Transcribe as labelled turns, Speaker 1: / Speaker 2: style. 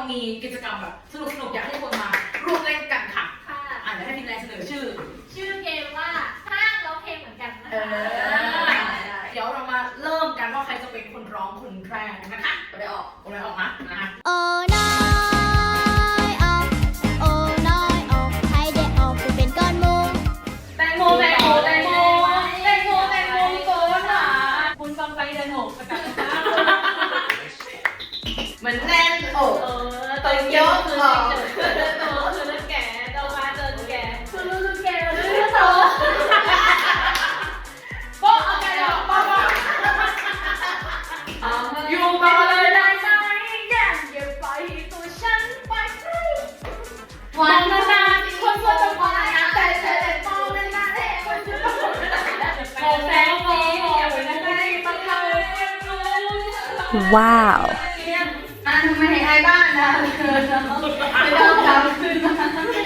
Speaker 1: มีกิจกรรมแบบสนุกๆอยากให้ทุกคนมาร่วมเล่นกันค่ะ
Speaker 2: ค่ะ
Speaker 1: เดี๋ยวให้พี่แนนเสนอชื่อ
Speaker 2: ชื่อเกมว่าห้างร้องเพลงเหมือนกันนะคะ
Speaker 1: เดี๋ยวเรามาเริ่มกันว่าใครจะเป็นคนร้องคนแรกนะคะไปออกนะ
Speaker 3: โอ้น้อยออกโอ้น้อยออกให้ได้ออกไปเป็นก้อนหมู
Speaker 2: แตงโมพี่โกค่ะคุณฟังไปเดินหกประกาศนะคะ
Speaker 1: มันแน่นอก
Speaker 2: ตัวยกคือโตคือเรื่องแก่โตมาเจอแก่คือเรื่องแก่เรื่องโตโป๊ะเอาไปหรอโป๊ะ
Speaker 1: อยู่ต่อเลยได้ไหม
Speaker 2: อย่าปล่อยตัวฉันไปวันนานๆคนก็จะพอนะแต่มองนานๆเลยคนจะต้องโอ้แสงนี้อย่าไปนั่งได้ต้องทำ
Speaker 3: ว้าว
Speaker 2: ทำไมให้อายบ้านนะไม่ต้องทำขึ้นมา